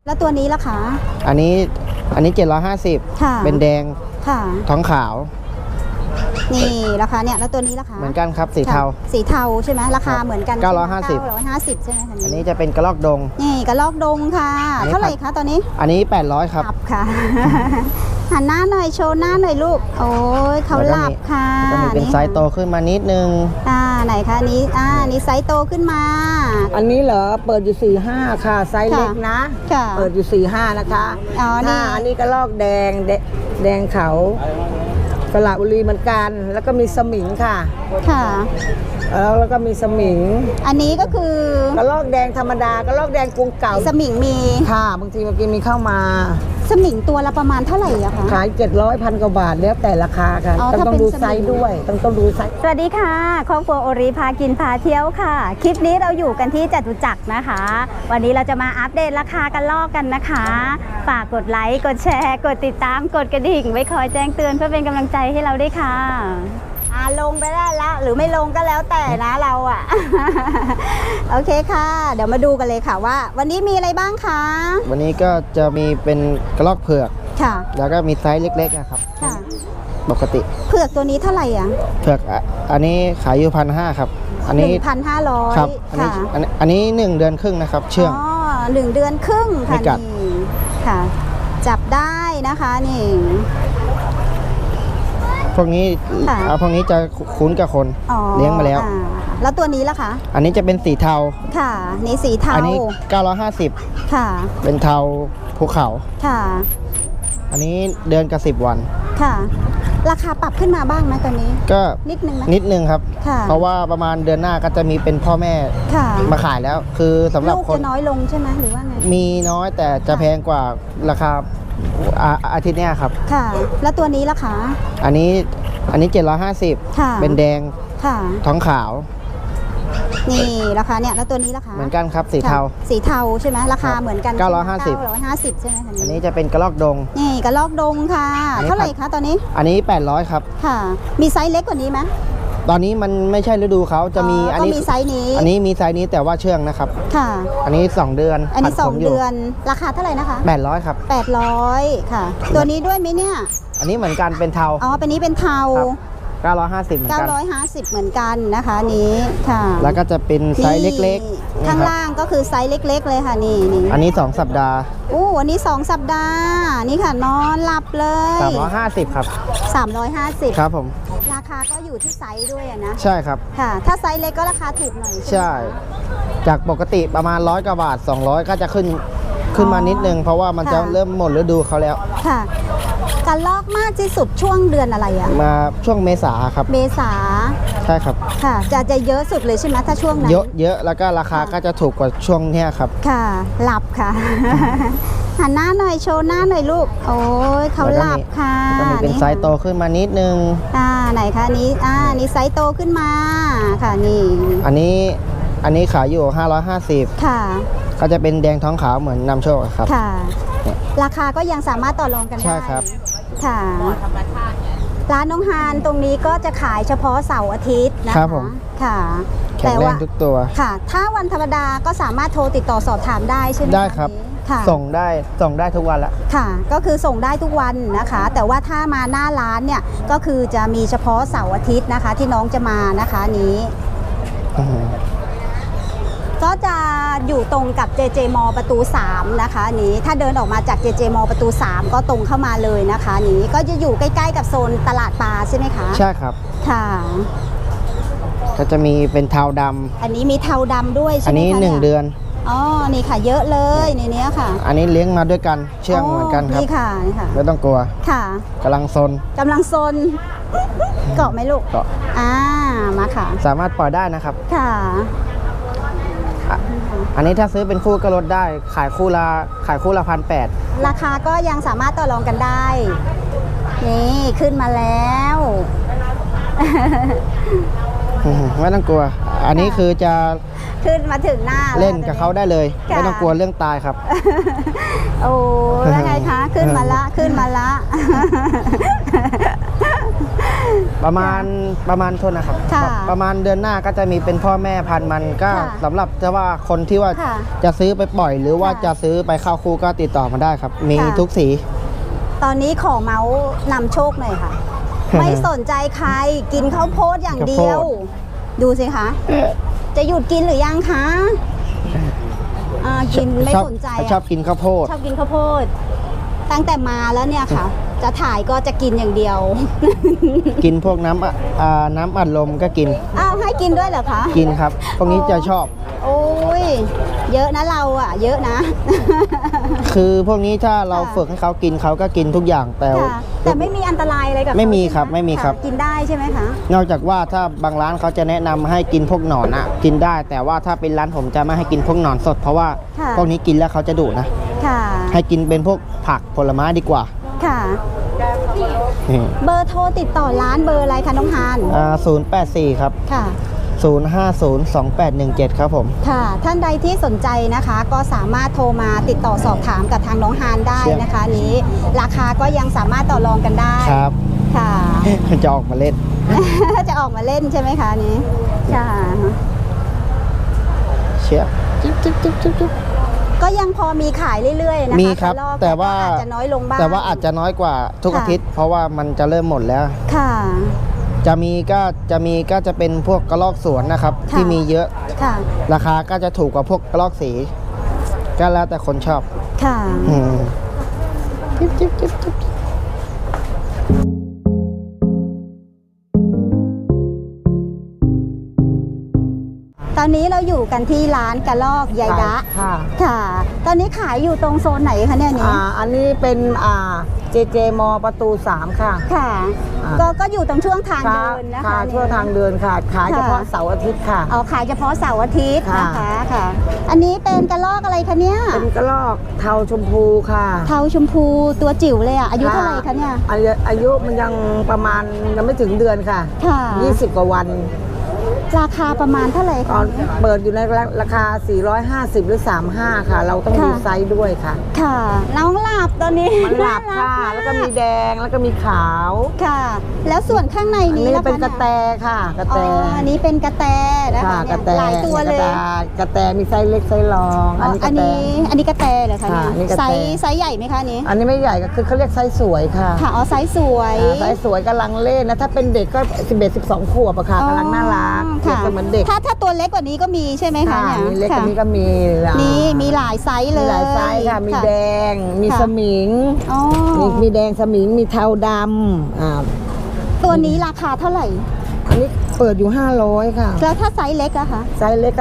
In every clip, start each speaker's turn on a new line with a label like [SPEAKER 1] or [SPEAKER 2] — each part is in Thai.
[SPEAKER 1] แล้วตัวนี้ล่ะคะ
[SPEAKER 2] อันนี้750
[SPEAKER 1] ค่ะ
[SPEAKER 2] เป็นแดง
[SPEAKER 1] ค่ะ
[SPEAKER 2] ท้องขาว
[SPEAKER 1] นี่ราคาเนี่ยแล้วตัวนี้ราคา
[SPEAKER 2] เหมือนกันครับสีเทา
[SPEAKER 1] สีเทาใช่ไหมราคาเหมือนกัน
[SPEAKER 2] 950
[SPEAKER 1] ใช่ไหมคะ
[SPEAKER 2] อันนี้จะเป็นกระรอกดง
[SPEAKER 1] นี่กระรอกดงค่ะเท่าไหร่คะตอนนี้
[SPEAKER 2] อันนี้800ครับ
[SPEAKER 1] ค่ะหันหน้าหน่อยโชว์หน้าหน่อยลูกโอ้ยเขาหลับค่ะ
[SPEAKER 2] ก็มีเป็นไซส์โตขึ้นมานิดนึง
[SPEAKER 1] ไหนคะนี้นี้ไซส์โตขึ้นมา
[SPEAKER 3] อันนี้เหรอเปิดอยู่45ค่ะไซส์เล็กนะเปิดอยู่45นะคะอันนี้กระรอกแดงเขาสระบุรีเหมือนกันแล้วก็มีสมิงค่ะแล้วก็มีสมิง
[SPEAKER 1] อันนี้ก็คือก
[SPEAKER 3] ระรอกแดงธรรมดากระรอกแดงกรุงเก่า
[SPEAKER 1] สมิงมี
[SPEAKER 3] ค่ะบางทีเมื่อกี้มีเข้ามา
[SPEAKER 1] สมิงตัวละประมาณเท่าไหร่อะคะ
[SPEAKER 3] ขาย700,000 กว่าบาทแล้วแต่ราคาค่ะต้องดูไซส์ด้วยต้องดูไซส์
[SPEAKER 1] สวัสดีค่ะครอบครัวโอริพากินพาเที่ยวค่ะคลิปนี้เราอยู่กันที่จตุจักรนะคะวันนี้เราจะมาอัปเดตราคากระรอกกันนะคะฝากกดไลค์กดแชร์กดติดตามกดกระดิ่งไว้คอยแจ้งเตือนเพื่อเป็นกำลังใจให้เราด้วยค่ะลงไปได้แล้วหรือไม่ลงก็แล้วแต่นะเราอะโอเคค่ะเดี๋ยวมาดูกันเลยค่ะว่าวันนี้มีอะไรบ้างคะ
[SPEAKER 2] วันนี้ก็จะมีเป็นกระรอกเผือก
[SPEAKER 1] ค่ะ
[SPEAKER 2] แล้วก็มีไซส์เล็กๆนะครับ
[SPEAKER 1] ค่ะ
[SPEAKER 2] ปกติ
[SPEAKER 1] เผือกตัวนี้เท่าไหร่อ่ะ
[SPEAKER 2] เผือกอันนี้ขายอยู่1,500ครับอันนี้
[SPEAKER 1] 1,500
[SPEAKER 2] ครับอันนี้1 เดือนครึ่งนะครับเชื่อง
[SPEAKER 1] 1 เดือนครึ่งค่ะนี่ค่ะจับได้นะคะนี่
[SPEAKER 2] พวกนี้จะคุ้นกับคนเลี้ยงมาแล้ว
[SPEAKER 1] แล้วตัวนี้ล่ะคะ
[SPEAKER 2] อันนี้จะเป็นสีเทา
[SPEAKER 1] ค่ะนี่สีเทา
[SPEAKER 2] อันนี้950
[SPEAKER 1] ค่ะ
[SPEAKER 2] เป็นเทาภูเขา
[SPEAKER 1] ค่ะ
[SPEAKER 2] อันนี้เดือนกับ10 วัน
[SPEAKER 1] ค่ะราคาปรับขึ้นมาบ้างไหมตอนนี้
[SPEAKER 2] ก็
[SPEAKER 1] นิดนึง
[SPEAKER 2] ครับเพราะว่าประมาณเดือนหน้าก็จะมีเป็นพ่อแม่มาขายแล้วคือสำหรับคน
[SPEAKER 1] ลูกจะน้อยลงใช่ไหมหรือว่าไง
[SPEAKER 2] มีน้อยแต่จะแพงกว่าราคาอาทิตย์นี้ครับ
[SPEAKER 1] ค่ะแล้วตัวนี้ล่ะคะ
[SPEAKER 2] อันนี้750เป็นแดงท้องขาว
[SPEAKER 1] นี่ราคาเนี่ยแล้วตัวนี้ราคา
[SPEAKER 2] เหมือนกันครับสีเทา
[SPEAKER 1] ใช่ไหมราคาเหมือนกัน
[SPEAKER 2] 950
[SPEAKER 1] ใช่ไหม
[SPEAKER 2] อันนี้จะเป็นกระรอกดง
[SPEAKER 1] นี่กระรอกดงค่ะเท่าไหร่คะตอนนี้
[SPEAKER 2] อันนี้800ครับ
[SPEAKER 1] ค่ะมีไซส์เล็กกว่านี้ไหม
[SPEAKER 2] ตอนนี้มันไม่ใช่ฤดูเขาจะมี
[SPEAKER 1] อันนี้มีไซส์นี้
[SPEAKER 2] อันนี้มีไซส์นี้แต่ว่าเชื่องนะครับ
[SPEAKER 1] ค่ะ
[SPEAKER 2] อันนี้2 เดือน
[SPEAKER 1] อันนี้2 เดือนราคาเท่าไหร่นะคะ
[SPEAKER 2] 800ครับ
[SPEAKER 1] 800ค่ะตัวนี้ด้วยไหมเนี่ย
[SPEAKER 2] อันนี้เหมือนกันเป็นเทา
[SPEAKER 1] เป็นนี้เป็นเทา
[SPEAKER 2] 950เหมือนกัน
[SPEAKER 1] 950เหมือนกันนะคะนี้ค่ะ
[SPEAKER 2] แล้วก็จะเป็นไซส์เล็ก
[SPEAKER 1] ๆข้างล่างก็คือไซส์เล็กๆเลยค่ะนี่
[SPEAKER 2] อันนี้2 สัปดาห์
[SPEAKER 1] อันนี้2 สัปดาห์นี่ค่ะนอนหลับเลย
[SPEAKER 2] 350ครับ
[SPEAKER 1] 350
[SPEAKER 2] ครับผม
[SPEAKER 1] ราคาก็อยู่ที่ไซส์ด้วยนะ
[SPEAKER 2] ใช่ครับ
[SPEAKER 1] ค่ะถ้าไซส์เล็กก็ราคาถูกหน่อย
[SPEAKER 2] ใช่จากปกติประมาณ100 กว่าบาท200ก็จะขึ้นมานิดนึงเพราะว่ามันจะเริ่มหมดฤดูเขาแล้ว
[SPEAKER 1] ค่ะกระรอกมากที่สุดช่วงเดือนอะไรอ่ะ
[SPEAKER 2] มาช่วงเมษาครับ
[SPEAKER 1] เมษา
[SPEAKER 2] ใช่ครับ
[SPEAKER 1] ค่ะจะเยอะสุดเลยใช่ไหมถ้าช่วงนั้น
[SPEAKER 2] เยอะแล้วก็ราคาก็จะถูกกว่าช่วงนี้ครับ
[SPEAKER 1] ค่ะหลับค่ะหันหน้าหน่อยโชว์หน้าหน่อยลูกโอ้ยเขาหลับค่ะ
[SPEAKER 2] ก็มีเป็นไซส์โตขึ้นมานิดนึง
[SPEAKER 1] ไหนคะนี้ไซส์โตขึ้นมาค่ะนี่
[SPEAKER 2] อันนี้ขายอยู่550
[SPEAKER 1] ค่ะ
[SPEAKER 2] ก็จะเป็นแดงท้องขาวเหมือนนำโชคครับ
[SPEAKER 1] ค่ะราคาก็ยังสามารถต่อรองกันได้
[SPEAKER 2] ใช่ครับ
[SPEAKER 1] ค่ะร้านน้องฮานตรงนี้ก็จะขายเฉพาะเสาร์อาทิตย์นะคะค่ะ
[SPEAKER 2] แข็งแรงทุกตัว
[SPEAKER 1] ค่ะถ้าวันธรรมดาก็สามารถโทรติดต่อสอบถามได้ใช่ไหม
[SPEAKER 2] ได้ครับส่งได้ทุกวันละ
[SPEAKER 1] ค่ะก็คือส่งได้ทุกวันนะคะแต่ว่าถ้ามาหน้าร้านเนี่ยก็คือจะมีเฉพาะเสาร์อาทิตย์นะคะที่น้องจะมานะคะนี้ก็จะอยู่ตรงกับ JJ มอประตู3นะคะนี้ถ้าเดินออกมาจาก JJ มอประตู3ก็ตรงเข้ามาเลยนะคะนี้ก็จะอยู่ใกล้ๆกับโซนตลาดปลาใช่ไหมคะ
[SPEAKER 2] ใช่ครับ
[SPEAKER 1] ค่ะ
[SPEAKER 2] ก็จะมีเป็นเทาด
[SPEAKER 1] ำอันนี้มีเทาดำด้วยใช่ไหมคะ
[SPEAKER 2] อันนี้1 เดือน
[SPEAKER 1] นี่ค่ะเยอะเลยในนี้ค่ะ
[SPEAKER 2] อันนี้เลี้ยงมาด้วยกันเชื่องเหมือนกันครับ
[SPEAKER 1] นี่ค่ะ
[SPEAKER 2] ไม่ต้องกลัว
[SPEAKER 1] ค่ะ
[SPEAKER 2] กำลังซน
[SPEAKER 1] เกาะไหมลูก
[SPEAKER 2] เกาะ
[SPEAKER 1] มาค่ะ
[SPEAKER 2] สามารถปล่อยได้นะครับ
[SPEAKER 1] ค่ะ
[SPEAKER 2] อันนี้ถ้าซื้อเป็นคู่ก็ลดได้ขายคู่ละ1,800
[SPEAKER 1] ราคาก็ยังสามารถต่อรองกันได้นี่ขึ้นมาแล้ว
[SPEAKER 2] ไม่ต้องกลัวอันนี้คือจะ
[SPEAKER 1] ขึ้นมาถึงหน้า
[SPEAKER 2] เล่นกับเขาได้เลยไม่ต้องกลัวเรื่องตายครับ
[SPEAKER 1] โอ้แล้วไงคะขึ้นมาละ
[SPEAKER 2] ประมาณโทษนะครับ
[SPEAKER 1] ค่ะ
[SPEAKER 2] ประมาณเดือนหน้าก็จะมีเป็นพ่อแม่พันธุ์มันก็
[SPEAKER 1] ค่ะ
[SPEAKER 2] สำหรับจะว่าคนที่ว่า
[SPEAKER 1] ค่ะ
[SPEAKER 2] จะซื้อไปปล่อย หรือว่า
[SPEAKER 1] ค่ะ
[SPEAKER 2] จะซื้อไปเข้าคู่ก็ติดต่อมาได้ครับ มี
[SPEAKER 1] ค่ะ
[SPEAKER 2] ทุกสี
[SPEAKER 1] ตอนนี้ขอเมาส์นำโชคหน่อยค่ะ ไม่สนใจใครกินข้าวโพดอย่างเดียว
[SPEAKER 2] ข้าวโพ
[SPEAKER 1] ดูสิคะ จะหยุดกินหรือยังคะกินไม่สนใจ
[SPEAKER 2] ชอบกินข้าวโพด
[SPEAKER 1] ชอบกินข้าวโพด ตั้งแต่มาแล้วเนี่ยค่ะ จะถ่ายก็จะกินอย่างเดียว
[SPEAKER 2] กินพวกน้ำน้ำอัดลมก็กิน
[SPEAKER 1] อ้าวให้กินด้วยเหรอคะ
[SPEAKER 2] กินครับ พวกนี้จะชอบ
[SPEAKER 1] โอ้ยเยอะนะเราอ่ะ เยอะนะ
[SPEAKER 2] คือพวกนี้ถ้าเรา
[SPEAKER 1] ค่ะ
[SPEAKER 2] ฝึกให้เขากินเขาก็กินทุกอย่างแต่
[SPEAKER 1] ค่ะแต่ไม่มีอันตรายอะไรกับเขา
[SPEAKER 2] ไม่มี
[SPEAKER 1] ใช่ห
[SPEAKER 2] ครับไม่มีครับ
[SPEAKER 1] ะกินได้ใช่ไหมคะ
[SPEAKER 2] นอกจากว่าถ้าบางร้านเขาจะแนะนำให้กินพวกหนอนอะกินได้ แต่ว่าถ้าเป็นร้านผมจะไม่ให้กินพวกหนอนสด เพราะว่า
[SPEAKER 1] ค่ะ
[SPEAKER 2] พวกนี้กินแล้วเขาจะดุนะ
[SPEAKER 1] ค่ะ
[SPEAKER 2] ให้กินเป็นพวกผักผลไม้ดีกว่า
[SPEAKER 1] ค่ะ
[SPEAKER 2] นี่
[SPEAKER 1] เบอร์โทรติดต่อร้านเบอร์อะไรคะน้องฮาน
[SPEAKER 2] 084 ครับ
[SPEAKER 1] ค่ะ
[SPEAKER 2] 0502817 ครับผม
[SPEAKER 1] ค่ะ ท่านใดที่สนใจนะคะ ก็สามารถโทรมาติดต่อสอบถามกับทางน้องฮานได้นะคะนี้ ราคาก็ยังสามารถต่อรองกันได้
[SPEAKER 2] ครับ
[SPEAKER 1] ค่ะ
[SPEAKER 2] จะออกมาเล่น
[SPEAKER 1] จะออกมาเล่นใช่ไหมคะนี้ค่ะ
[SPEAKER 2] เชียบจิ๊บจิ๊บจิ๊บจิ๊บจิ๊บ
[SPEAKER 1] ก็ยังพอมีขายเรื่อยๆนะคะ
[SPEAKER 2] มีครับ
[SPEAKER 1] กะลอก
[SPEAKER 2] แต่ว่า
[SPEAKER 1] ก็อาจจะน้อยลงบ้าง
[SPEAKER 2] แต่ว่าอาจจะน้อยกว่าทุก
[SPEAKER 1] ค่ะ
[SPEAKER 2] อาทิตย์ เพราะว่ามันจะเริ่มหมดแล้ว
[SPEAKER 1] ค่ะ
[SPEAKER 2] ก็จะเป็นพวกกระรอกสวนนะครับ
[SPEAKER 1] ค่ะ
[SPEAKER 2] ที่มีเยอะ
[SPEAKER 1] ค่ะ
[SPEAKER 2] ราคาก็จะถูกกว่าพวกกระรอกสี ก็แล้วแต่คนชอบ
[SPEAKER 1] ค่ะ
[SPEAKER 2] อืมจิ๊บจิ๊บจิ๊บจิ๊บ
[SPEAKER 1] ตอนนี้เราอยู่กันที่ร้านกะลอกยายดะ
[SPEAKER 3] ค่ะ
[SPEAKER 1] ค่ะ ตอนนี้ขายอยู่ตรงโซนไหนคะเนี่ยนี้
[SPEAKER 3] อันนี้เป็นเจเจมประตู 3 ค่ะ
[SPEAKER 1] ค่ะ
[SPEAKER 3] อ่า
[SPEAKER 1] ก็อยู่ตรงช่วงทางเดินนะคะ
[SPEAKER 3] ค่ะ
[SPEAKER 1] เนี่ย
[SPEAKER 3] ทั่วทางเดินค่ะ ขายเฉพาะเสาร์อาทิตย์ค่ะ
[SPEAKER 1] เอาขายเฉพาะเสาร์อาทิตย์นะคะ
[SPEAKER 3] ค่ะ
[SPEAKER 1] ค่ะ อันนี้เป็นกระลอกอะไรคะเนี่ย
[SPEAKER 3] เป็นกระรอกเทาชมพูค่ะ
[SPEAKER 1] เทาชมพูตัวจิ๋วเลยอ่ะอายุเท่าไหร่คะเนี่ย
[SPEAKER 3] อายุมันยังประมาณยังไม่ถึงเดือนค่ะ
[SPEAKER 1] ค่ะ
[SPEAKER 3] 20 กว่าวัน
[SPEAKER 1] ราคาประมาณเท่าไหร่
[SPEAKER 3] ตอ
[SPEAKER 1] คะ
[SPEAKER 3] นเปิดอยู่ในราคา 450 หรือ 35 ค่ะ เราต้องดู
[SPEAKER 1] ค่ะ
[SPEAKER 3] ไซส์ด้วยค่ะ
[SPEAKER 1] ค่ะน้องหลับตอนนี้
[SPEAKER 3] มันหลับค่ะ
[SPEAKER 1] น่ารั
[SPEAKER 3] แล้วก็มีแดง แล้วก็มีขาว
[SPEAKER 1] ค่ะ แล้วส่วนข้างใน
[SPEAKER 3] อัน
[SPEAKER 1] นี้
[SPEAKER 3] นี้
[SPEAKER 1] ล่ะ
[SPEAKER 3] เป็น
[SPEAKER 1] คะ
[SPEAKER 3] กระแตค่ะ กระ
[SPEAKER 1] อ๋
[SPEAKER 3] แต
[SPEAKER 1] ออันนี้เป็นกระแตนะคะ
[SPEAKER 3] ค่ะ
[SPEAKER 1] เนี่ย
[SPEAKER 3] กระแต
[SPEAKER 1] หลายตัวเลย
[SPEAKER 3] กระแตมีไซส์เล็กไซส์รอง
[SPEAKER 1] อ๋อ
[SPEAKER 3] นี้ก
[SPEAKER 1] อั
[SPEAKER 3] ระ
[SPEAKER 1] น
[SPEAKER 3] แต
[SPEAKER 1] นี้กระแตเหรอคะ
[SPEAKER 3] ค่ะอันนี้
[SPEAKER 1] เนี่ย
[SPEAKER 3] กระแต
[SPEAKER 1] ไซส์ใหญ่ไหมคะอันนี้
[SPEAKER 3] อันนี้ไม่ใหญ่ก็คือเขาเรียกไซส์สวยค่ะ
[SPEAKER 1] ค่ะอ๋อไซส์สวย
[SPEAKER 3] ไซส์สวยกำลังเล่นนะ ถ้าเป็นเด็กก็ 11-12 ขวบอะค่ะกำลังน่ารักเปรียบ
[SPEAKER 1] ค่ะ
[SPEAKER 3] เสมือนเด็ก
[SPEAKER 1] ถ้าตัวเล็กกว่านี้ก็มีใช่ไหมคะ
[SPEAKER 3] ค่ะ
[SPEAKER 1] เนี่ย
[SPEAKER 3] มีเล็กก
[SPEAKER 1] ค่ะ
[SPEAKER 3] ว่านี้ก็มี
[SPEAKER 1] นี่มีหลายไซส์เล
[SPEAKER 3] มี
[SPEAKER 1] ย
[SPEAKER 3] หลายไซส์ค่ะ มีแดง มี
[SPEAKER 1] ค่ะ
[SPEAKER 3] สมิง
[SPEAKER 1] อ๋อ
[SPEAKER 3] มีแดงสมิง มีเทาดำ
[SPEAKER 1] ตัวนี้ราคาเท่าไหร่
[SPEAKER 3] อันนี้เปิดอยู่ 500 ค่ะ
[SPEAKER 1] แล้วถ้าไซส์เล็กอะคะ
[SPEAKER 3] ไซส์เล็กก็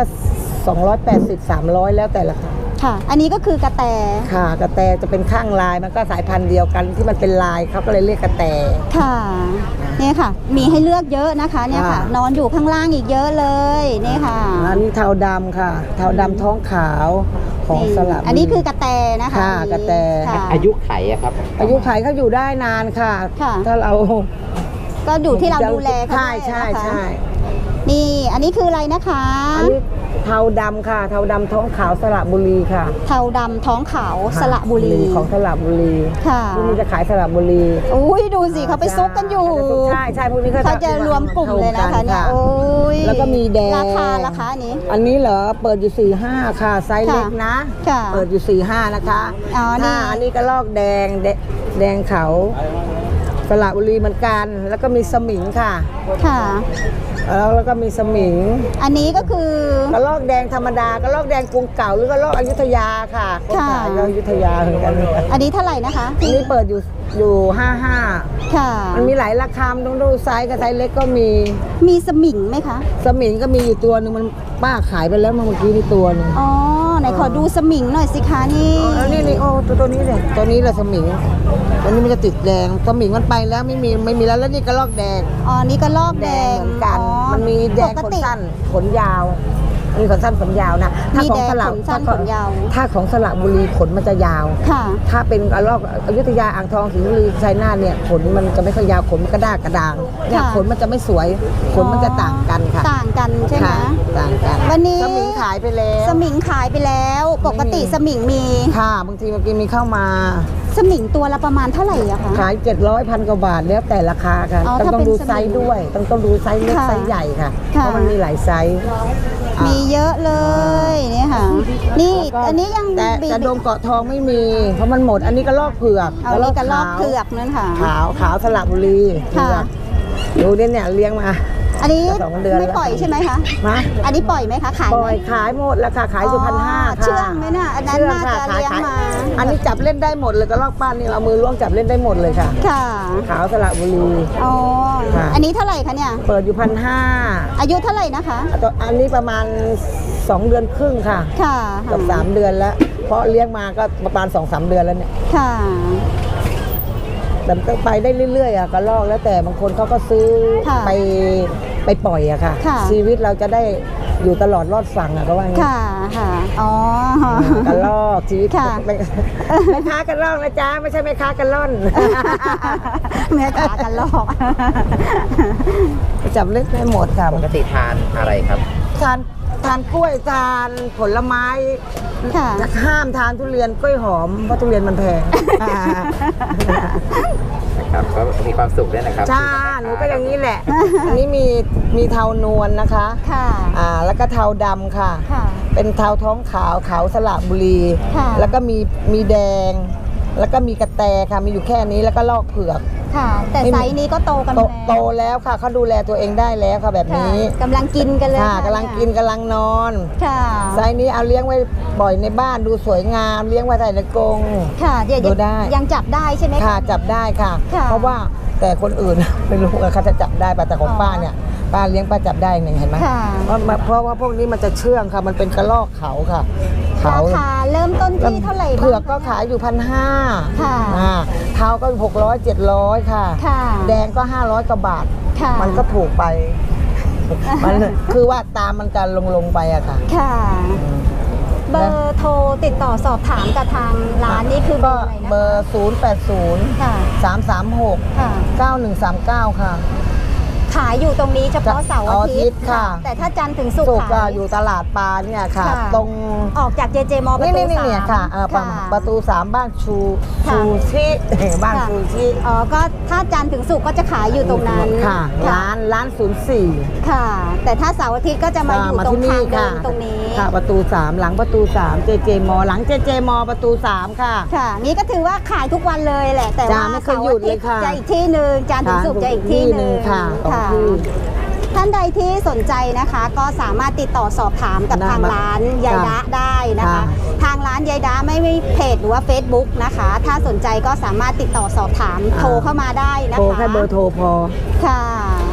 [SPEAKER 3] 280-300 แล้วแต่ละค่ะ
[SPEAKER 1] ค่ะ อันนี้ก็คือกระแต
[SPEAKER 3] ค่ะกระแตจะเป็นข้างลายมันก็สายพันธุ์เดียวกันที่มันเป็นลายเขาก็เลยเรียกกระแต
[SPEAKER 1] ค่ะเนี่ยค่ะ มีให้เลือกเยอะนะคะเนี่ยค่ะ
[SPEAKER 3] ค่ะ
[SPEAKER 1] นอนอยู่ข้างล่างอีกเยอะเลยนี่ค่ะ
[SPEAKER 3] อันนี้เทาดำค่ะ เทาดำท้องขาวของสลับ
[SPEAKER 1] อันนี้คือกระแตนะคะ
[SPEAKER 3] ค่ะ
[SPEAKER 1] อันนี้
[SPEAKER 3] กระแต
[SPEAKER 1] ค่ะ
[SPEAKER 2] อายุไขอะครับ
[SPEAKER 3] อายุไขเขาอยู่ได้นานค่ะ
[SPEAKER 1] ค่ะ
[SPEAKER 3] ถ้าเรา
[SPEAKER 1] ก็อยู่ที่เราดูแลเขา
[SPEAKER 3] ใช่
[SPEAKER 1] ด้วย
[SPEAKER 3] ใช่
[SPEAKER 1] นะคะ
[SPEAKER 3] ใช่
[SPEAKER 1] นี่อันนี้คืออะไรนะคะ
[SPEAKER 3] อันนี้เทาดำค่ะ เทาดำท้องขาวสระบุรีค่ะ
[SPEAKER 1] เทาดำท้องขาวสระบุรี
[SPEAKER 3] ของสระบุรี
[SPEAKER 1] ค่ะ
[SPEAKER 3] พวกนี้จะขายสระบุรี
[SPEAKER 1] อุ้ยดูสิเขาไปซุกกันอยู่
[SPEAKER 3] ใช่ใช่พวกนี้
[SPEAKER 1] เขาจะรวมกลุ่มเลยนะคะเนี่ยโอ้ย
[SPEAKER 3] แล้วก็มีแดง
[SPEAKER 1] ราคาอันนี้
[SPEAKER 3] อันนี้เหรอเปิดอยู่ 45 ค่ะ ไซส์เล็กนะ
[SPEAKER 1] ค่ะ
[SPEAKER 3] เปิดอยู่ 45 นะคะ
[SPEAKER 1] อ๋อนี่
[SPEAKER 3] อันนี้ก็ลอกแดงแดงเขาสระบุรีเหมือนกัน แล้วก็มีสมิงค่ะ
[SPEAKER 1] ค่ะ
[SPEAKER 3] แล้วก็มีสมิง
[SPEAKER 1] อันนี้ก็คือ
[SPEAKER 3] กระลอกแดงธรรมดากระลอกแดงกรุงเก่าหรือกระลอกอยุธยาค่ะคนขายก็อยุธยาเหมือนกัน
[SPEAKER 1] อันนี้เท่าไหร่นะคะ
[SPEAKER 3] อันนี้เปิดอยู่55
[SPEAKER 1] ค่ะ
[SPEAKER 3] มันมีหลายราคาต้องดูไซส์กับไซส์เล็กก็มี
[SPEAKER 1] มีสมิงไหมคะ
[SPEAKER 3] สมิงก็มีอยู่ตัวหนึ่งมันป้าขายไปแล้วเมื่อกี้นี่ตัวหนึง
[SPEAKER 1] อ๋อไหนขอดูสมิงหน่อยสิคะนี่
[SPEAKER 3] แล้วนี่โอ้ตัวนี้เลยตัวนี้แหละสมิงตัวนี้มันจะติดแดงสมิงมันไปแล้วไม่มีแล้วนี่กระลอกแดง
[SPEAKER 1] อ๋อนี่ก็ลอกแดง
[SPEAKER 3] เหมือนกัน
[SPEAKER 1] อ๋อ
[SPEAKER 3] มันมีแดง
[SPEAKER 1] ป
[SPEAKER 3] ข
[SPEAKER 1] ก
[SPEAKER 3] น
[SPEAKER 1] ติ
[SPEAKER 3] สั้นขนยาวมีขนสั้นขนยาวนะถ้า
[SPEAKER 1] มี
[SPEAKER 3] ของ
[SPEAKER 1] แดง
[SPEAKER 3] สระ
[SPEAKER 1] ขนสั้นขนยาว
[SPEAKER 3] ถ้าของสระบุรีขนมันจะยาว
[SPEAKER 1] ค่ะ
[SPEAKER 3] ถ้าเป็นกระรอกอยุธยาอ่างทองสิงห์บุรีชัยนาทเนี่ยขนมันจะไม่ค่อยยาวขนมันกระด้างกระดางเนี่ย
[SPEAKER 1] ค่ะ
[SPEAKER 3] ขนมันจะไม่สวยขนมันจะต่างกันค่ะ
[SPEAKER 1] ต่างกันใช่ไหม
[SPEAKER 3] ค่ะต่างกัน
[SPEAKER 1] วันนี้
[SPEAKER 3] สมิงขายไปแล้ว
[SPEAKER 1] สมิงขายไปแล้ว ปกติสมิงมี
[SPEAKER 3] ค่ะบางทีเมื่อกี้มีเข้ามา
[SPEAKER 1] สมิงตัวละประมาณเท่าไหร่อะคะ
[SPEAKER 3] ขาย700 1,000 กว่าบาทแล้วแต่ราคาค่ะ
[SPEAKER 1] อ๋อ
[SPEAKER 3] ต้อง
[SPEAKER 1] ถ้า
[SPEAKER 3] ต้อง
[SPEAKER 1] เป็น
[SPEAKER 3] ดู
[SPEAKER 1] สมิง
[SPEAKER 3] ไซส์ด้วยต้องดูไซส์เล็ก
[SPEAKER 1] ค่ะ
[SPEAKER 3] ไซส์ใหญ่ค่ะ
[SPEAKER 1] ค่ะ
[SPEAKER 3] เพราะมันมีหลายไซส์
[SPEAKER 1] มีเยอะเลยเนี่ยค่ะ นี่
[SPEAKER 3] แล้วก็
[SPEAKER 1] อันนี้ยัง
[SPEAKER 3] แต่
[SPEAKER 1] บี
[SPEAKER 3] แต่ดงเกาะทองไม่มี เพราะมันหมดอันนี้กระลอกเผือก
[SPEAKER 1] เอานี่กระลอกเผือกนั่นค่ะ
[SPEAKER 3] ขาวสระบุรีเผื
[SPEAKER 1] ค่ะ
[SPEAKER 3] อกดูเนี่ยเลี้ยงมา
[SPEAKER 1] อันนี้
[SPEAKER 3] จะ2 เดือน
[SPEAKER 1] ไม่
[SPEAKER 3] แล้ว
[SPEAKER 1] ปล่อยใช่ไหมคะ
[SPEAKER 3] มา
[SPEAKER 1] อันนี้ปล่อยไหมคะขาย
[SPEAKER 3] ป
[SPEAKER 1] ไหม
[SPEAKER 3] ล่อยขายหมดแล้วค่ะขายอยู่
[SPEAKER 1] อ๋อ
[SPEAKER 3] 1,500ค่ะ
[SPEAKER 1] เชื่องไหมน่ะอันนั้น
[SPEAKER 3] เชื่ง
[SPEAKER 1] น่าจะ
[SPEAKER 3] ค่ะ
[SPEAKER 1] เลี้ยงมา
[SPEAKER 3] อันนี้จับเล่นได้หมดเลยกระลอกป้านนี่เรามือล้วงจับเล่นได้หมดเลยค่ะ
[SPEAKER 1] ค่ะ
[SPEAKER 3] ขาวสระบุรี
[SPEAKER 1] อ๋อ
[SPEAKER 3] ค่ะ
[SPEAKER 1] อันนี้เท่าไหร่คะเนี่ย
[SPEAKER 3] เปิดอยู่1,500
[SPEAKER 1] อายุเท่าไหร่นะคะ
[SPEAKER 3] อันนี้ประมาณ 2 เดือนครึ่งค่ะ
[SPEAKER 1] ค่ะ
[SPEAKER 3] กับ3 เดือนแล้ว เพราะเลี้ยงมาก็ประมาณ 2-3 เดือนแล้วเนี่ย
[SPEAKER 1] ค่ะ
[SPEAKER 3] แต่ก็ไปได้เรื่อยๆอะกระลอกแล้วแต่บางคนเขาก็ซื้อ
[SPEAKER 1] ค่ะ
[SPEAKER 3] ไปปล่อยอะค่ะ
[SPEAKER 1] ค่ะ
[SPEAKER 3] ชีวิตเราจะได้อยู่ตลอดรอดฝั่งอะก็ว่างี้
[SPEAKER 1] ค่ะ ค่ะ อ๋อ
[SPEAKER 3] กระลอกชีวิต
[SPEAKER 1] ค่ะ
[SPEAKER 3] แม่ค้ากระลอกนะจ๊ะไม่ใช่แม่ค้ากระล่อน
[SPEAKER 1] แม่ขากันลอก
[SPEAKER 3] จับเล่นได้หมดค่ะ
[SPEAKER 2] ปกติทานอะไรครับ
[SPEAKER 3] ทานกล้วยทานผลไม้
[SPEAKER 1] ค่ะ
[SPEAKER 3] จะห้ามทานทุเรียนกล้วยหอมเพราะทุเรียนมันแพง
[SPEAKER 2] ครับก็มีความสุขด้วยนะครับ
[SPEAKER 3] จ้าหนูก็อย่างนี้แหละ อันนี้มีเทานวลนะคะ
[SPEAKER 1] ค่ะ
[SPEAKER 3] แล้วก็เทาดำค่ะ
[SPEAKER 1] ค่ะ
[SPEAKER 3] เป็นเทาท้องขาวขาวสระบุรี
[SPEAKER 1] ค่ะ
[SPEAKER 3] แล้วก็มีแดง แล้วก็มีกระแตค่ะมีอยู่แค่นี้แล้วก็ลอกเผือก
[SPEAKER 1] ค่ะ แต่
[SPEAKER 3] ไม่มี
[SPEAKER 1] ไซส์นี้ก็โตกัน
[SPEAKER 3] โตแล้วค่ะเขาดูแลตัวเองได้แล้วค่ะแบบ
[SPEAKER 1] ค่ะ
[SPEAKER 3] นี้
[SPEAKER 1] กำลังกินกันเลย
[SPEAKER 3] ค่ะกำลังกินกำลังนอน
[SPEAKER 1] ค่ะ
[SPEAKER 3] ไซส์นี้เอาเลี้ยงไว้บ่อยในบ้านดูสวยงามเลี้ยงไว้ใส่ในกรง
[SPEAKER 1] ค่ะเดี๋ยว
[SPEAKER 3] ดูได้
[SPEAKER 1] ยังจับได้ใช่ไหม
[SPEAKER 3] ค่ะจับได้ค่ะ
[SPEAKER 1] ค่ะ
[SPEAKER 3] เพราะว่าแต่คนอื่น ไม่รู้ว่าเขาจะจับได้ป่ะแต่ของ
[SPEAKER 1] อ๋อ
[SPEAKER 3] ป้าเนี่ยป้าเลี้ยงป้าจับได้หนึ่งเห็นไหม
[SPEAKER 1] ค่ะ
[SPEAKER 3] เพราะว่าพวกนี้มันจะเชื่องค่ะ มันเป็นกระรอกเขาค่ะ
[SPEAKER 1] ราคาเริ่มต้นที่เท่าไหร่บ้าง
[SPEAKER 3] เผือกก็ขายอยู่1,500
[SPEAKER 1] ค่ะ
[SPEAKER 3] เท้าก็600-700ค่ะ
[SPEAKER 1] ค่ะ
[SPEAKER 3] แดงก็500 กว่าบาท
[SPEAKER 1] ค่ะ
[SPEAKER 3] มันก็ถูกไป มันคือว่าตามมันจะลงไปอะค่ะ
[SPEAKER 1] ค่ะ เบอร์โทรติดต่อสอบถามกับทางร้านนี่คือเบ
[SPEAKER 3] ก็
[SPEAKER 1] อร์อะไรนะ
[SPEAKER 3] เบอร์ 080
[SPEAKER 1] ค่ะ
[SPEAKER 3] 336
[SPEAKER 1] ค่ะ
[SPEAKER 3] 9139 ค่ะ
[SPEAKER 1] ขายอยู่ตรงนี้เฉพาะเสาร์อาทิตย์
[SPEAKER 3] ค่ะ
[SPEAKER 1] แต่ถ้าจันทร์ถึงศุก
[SPEAKER 3] สุ
[SPEAKER 1] ร์
[SPEAKER 3] กก็
[SPEAKER 1] ขาย
[SPEAKER 3] อยู่ตลาดปลาเนี่ยค่ะ
[SPEAKER 1] ค่ะ
[SPEAKER 3] ตรง
[SPEAKER 1] ออกจากเจเจมอประ
[SPEAKER 3] นี่
[SPEAKER 1] ตู
[SPEAKER 3] นี่
[SPEAKER 1] สาม
[SPEAKER 3] เนี่ยค่ะประตู 3 บ้านชู
[SPEAKER 1] ค่ะ
[SPEAKER 3] ชูชิบ้าน
[SPEAKER 1] ค่ะ
[SPEAKER 3] ชูชิ
[SPEAKER 1] อ๋อก็ถ้าจันทร์ถึงศุกร์ก็จะขายอยู่ตรงนั้น
[SPEAKER 3] ค่ะ ร้าน 04
[SPEAKER 1] ค่ะ แต่ถ้าเสาร์อาทิตย์ก็จะมาอยู่ตรงทางเดินตรงนี้
[SPEAKER 3] ค่ะประตู 3 หลังประตู 3 เจเจมอหลังเจเจมอประตู 3 ค่ะ
[SPEAKER 1] ค่ะนี่ก็ถือว่าขายทุกวันเลยแหละ แต่ว่า
[SPEAKER 3] จ้าไม่เคยหยุดเลยค่ะ
[SPEAKER 1] จะอีกที่หนึ่งจันทร์ถึงศุกร์จะอีกที่หนึ่ง
[SPEAKER 3] ค่ะสอง
[SPEAKER 1] ค่ะ
[SPEAKER 3] ที่
[SPEAKER 1] ท่านใดที่สนใจนะคะ ก็สามารถติดต่อสอบถามกับ
[SPEAKER 3] ได้
[SPEAKER 1] ทางร้านยายดะได้นะคะ
[SPEAKER 3] ค่ะ
[SPEAKER 1] ทางร้านยายดะไม่มีเพจหรือว่า Facebook นะคะ ถ้าสนใจก็สามารถติดต่อสอบถามโทรเข้ามาได้นะคะ
[SPEAKER 3] โทรแค่เบอร์โทรพอ
[SPEAKER 1] ค่ะ